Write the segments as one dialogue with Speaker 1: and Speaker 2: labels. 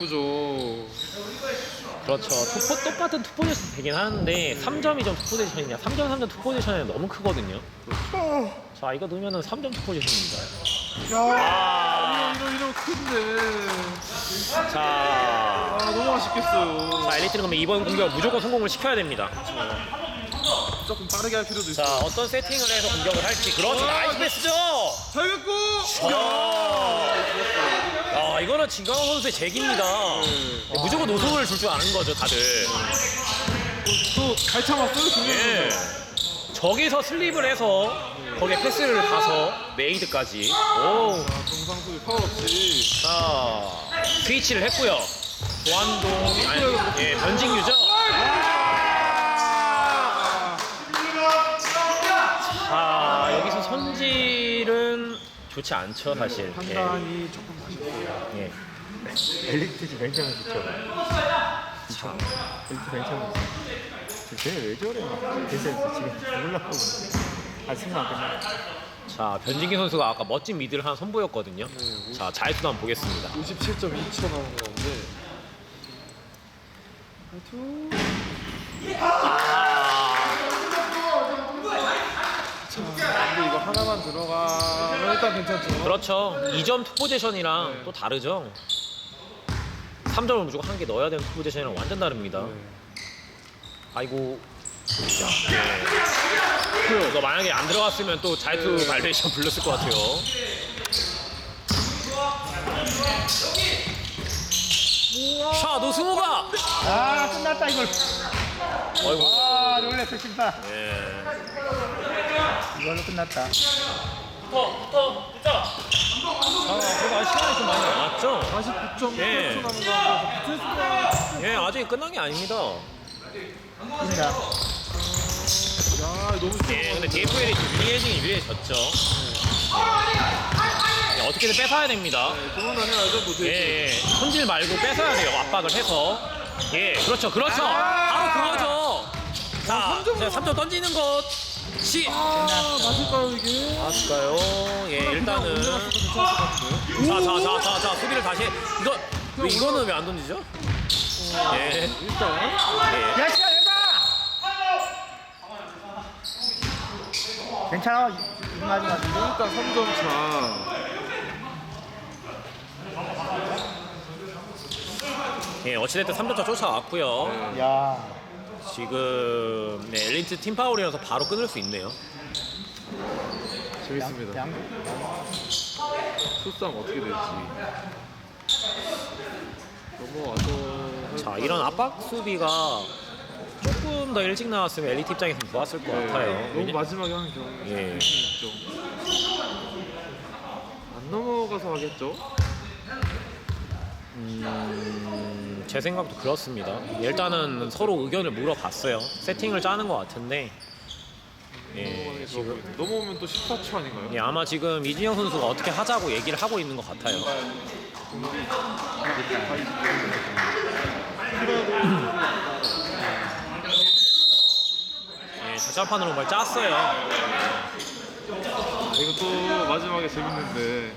Speaker 1: 죠.
Speaker 2: 그렇죠. 똑같은 투 포지션 되긴 하는데 3점이 좀 투 포지션이냐 3점 3점 투 포지션이 너무 크거든요. 자 이거 넣으면은 3점 투 포지션입니다.
Speaker 1: 야, 이런 큰데.
Speaker 2: 자,
Speaker 1: 너무 아쉽겠어요.
Speaker 2: 자 엘리트는 그러면 이번 공격 무조건 성공을 시켜야 됩니다.
Speaker 1: 조금 빠르게 할 필요도
Speaker 2: 자
Speaker 1: 있어.
Speaker 2: 어떤 세팅을 해서 공격을 할지. 그렇죠. 나이스 패스죠.
Speaker 1: 잘 갔고.
Speaker 2: 야, 이거는 진강호 선수의 재기입니다. 무조건 노선을 줄 줄 아는 거죠, 다들.
Speaker 1: 또 잘 참았어요,
Speaker 2: 예. 저기서 슬립을 해서 거기에 패스를 가서 메이드까지. 오.
Speaker 1: 정상수비 파울 없이.
Speaker 2: 자, 스위치를 했고요. 조한동, 아니, 예, 변진규죠. 자, 여기서 손질은 좋지 않죠, 사실.
Speaker 1: 판단이 조금 아쉽고요.
Speaker 2: 예.
Speaker 3: 엘리트 굉장히 좋죠.
Speaker 2: 자,
Speaker 3: 엘리트 굉장히 좋죠. 쟤왜 저래? 대세에서 지금 죽으려고. 아, 승부 안 끝나.
Speaker 2: 자, 변진규 선수가 아까 멋진 미드를 하나 선보였거든요.
Speaker 1: 네,
Speaker 2: 자, 자유투도 한번 보겠습니다.
Speaker 1: 57.2초 나온 건데. 근데 이거 하나만 들어가면 일단 괜찮죠.
Speaker 2: 그렇죠. 2점 투 포지션이랑
Speaker 1: 네.
Speaker 2: 또 다르죠. 3점을 무조건 한 개 넣어야 되는 투 포지션이랑 완전 다릅니다.
Speaker 1: 네.
Speaker 2: 아이고. 네. 이거 만약에 안 들어갔으면 또 자유투 발레이션 불렀을 것 같아요. 자, 노승호가!
Speaker 3: 아, 끝났다, 이걸.
Speaker 2: 아이고.
Speaker 3: 아, 놀랬어, 심판.
Speaker 2: 예.
Speaker 3: 이걸로 끝났다.
Speaker 2: 그래도 시간이 좀 많이 남았죠?
Speaker 1: 49.8초
Speaker 2: 예.
Speaker 1: 남은 거 붙을 수가.
Speaker 2: 예, 아직 끝난 게 아닙니다.
Speaker 3: 끝나.
Speaker 1: 야, 너무 쉽게.
Speaker 2: 예, 근데 DFL이 유리해졌죠. 예, 어떻게든 뺏어야 됩니다.
Speaker 1: 도망다녀야죠, 뭐.
Speaker 2: 예, 예. 손질 말고 뺏어야 돼요. 압박을 해서. 예, 그렇죠, 그렇죠. 바로 그거죠. 자, 3점 던지는 것.
Speaker 1: 맞을까요, 이게?
Speaker 2: 맞을까요? 예, 일단은.
Speaker 1: 올라갔어도 괜찮을 것 같은데요?
Speaker 2: 자, 수비를 다시. 이거는 왜 안 던지죠? 예.
Speaker 1: 일단.
Speaker 2: 예.
Speaker 3: 야, 시간 해봐! 괜찮아. 이만하지 마.
Speaker 1: 일단 3점 차.
Speaker 2: 예, 어찌됐든 3점차 쫓아왔고요.
Speaker 3: 야.
Speaker 2: 지금 네, 엘리트 팀 파울이라서 바로 끊을 수 있네요.
Speaker 1: 재밌습니다. 소싸움 어떻게 될지. 넘어와서.
Speaker 2: 자, 이런 압박 수비가 조금 더 일찍 나왔으면 엘리트 입장에서는 좋았을 것 같아요.
Speaker 1: 너무
Speaker 2: 왜냐-
Speaker 1: 마지막에 하는 경우가
Speaker 2: 예.
Speaker 1: 있죠. 안 넘어가서 하겠죠?
Speaker 2: 제 생각도 그렇습니다. 일단은 서로 의견을 물어봤어요. 세팅을 짜는 것 같은데 예, 지금
Speaker 1: 넘어오면 또 14초 아닌가요?
Speaker 2: 예, 아마 지금 이진영 선수가 어떻게 하자고 얘기를 하고 있는 것 같아요. 예, 자판으로 정말 짰어요.
Speaker 1: 이것도 마지막에 재밌는데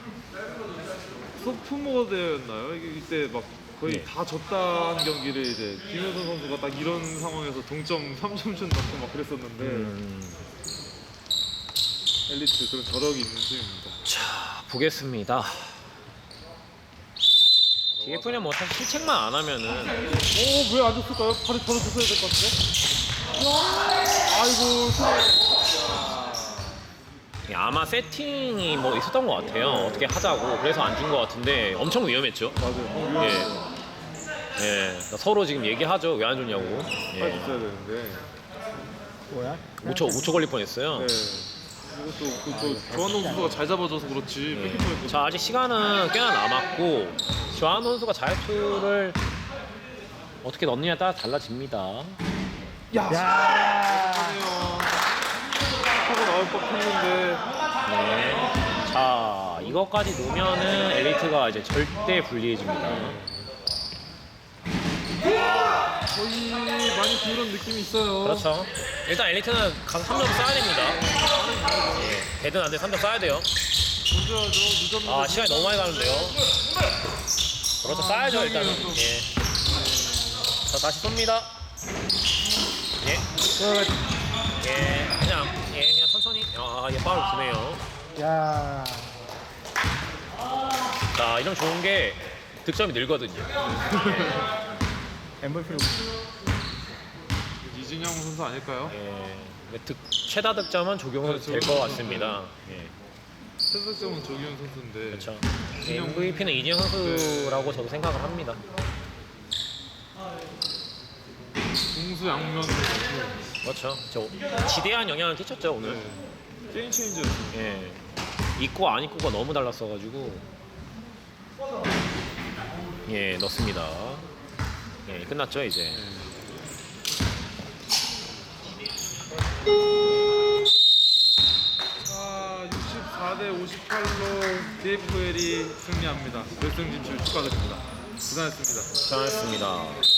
Speaker 1: 소프모드였나요? 이때 막 거의
Speaker 2: 네.
Speaker 1: 다 졌다는 경기를 이제 김효선 선수가 딱 이런 상황에서 동점 3점슛 넣고 막 그랬었는데 엘리트 그런 저력이 있는 팀입니다.
Speaker 2: 자, 보겠습니다. DF는 뭐 사실 실책만 안 하면은
Speaker 1: 오, 왜 안 줬을까요? 바로 줬어야 될 것 같은데? 아이고,
Speaker 2: 예, 아마 세팅이 뭐 있었던 것 같아요. 어떻게 하자고. 그래서 안 준 것 같은데 엄청 위험했죠.
Speaker 1: 맞아요.
Speaker 2: 예. 예. 그러니까 서로 지금 얘기하죠. 왜 안 줬냐고.
Speaker 1: 빨리
Speaker 2: 예.
Speaker 1: 줬어야 되는데.
Speaker 3: 뭐야?
Speaker 2: 5초 걸릴 뻔했어요.
Speaker 1: 네. 이것도 조한동 선수가 잘 잡아줘서 그렇지 뺏길 뻔했거든요.
Speaker 2: 자, 아직 시간은 꽤나 남았고 조한 선수가 자유투를 어떻게 넣느냐에 따라 달라집니다.
Speaker 3: 야.
Speaker 1: 하고 나올 법했는데
Speaker 2: 네. 자, 이것까지 놓으면은 엘리트가 이제 절대 불리해집니다.
Speaker 1: 거의 많이 기울은 느낌이 있어요.
Speaker 2: 그렇죠. 일단 엘리트는 가서 3점 쏴야 됩니다. 예. 되든 안 되든 3점 쏴야 돼요.
Speaker 1: 던져야죠. 늦었는데.
Speaker 2: 아, 시간이 너무 많이 가는데요. 그렇죠. 쌓야죠 일단은.
Speaker 1: 또.
Speaker 2: 예. 자 다시 쏩니다. 예. 예. 그냥 천천히. 얘 파울 주네요.
Speaker 3: 야.
Speaker 2: 자 이런 좋은 게 득점이 늘거든요.
Speaker 3: MVP로
Speaker 1: 이진영 선수 아닐까요?
Speaker 2: 예. 최다 득점은 조경선 될 것 같습니다. 예.
Speaker 1: 최석점은 조기현 선수인데.
Speaker 2: 그렇죠.
Speaker 1: 이진영
Speaker 2: MVP는 이진영 선수라고 저도 생각을 합니다.
Speaker 1: 공수 양면 선수.
Speaker 2: 그렇죠. 저 지대한 영향을 끼쳤죠 오늘.
Speaker 1: 네. 게임 체인저였어요.
Speaker 2: 예. 있고 안 있고가 너무 달랐어가지고 예 넣습니다. 예 끝났죠 이제.
Speaker 1: 자, 64대 58로 DFL이 승리합니다. 결승 진출 축하드립니다. 고생하셨습니다.
Speaker 2: 잘했습니다.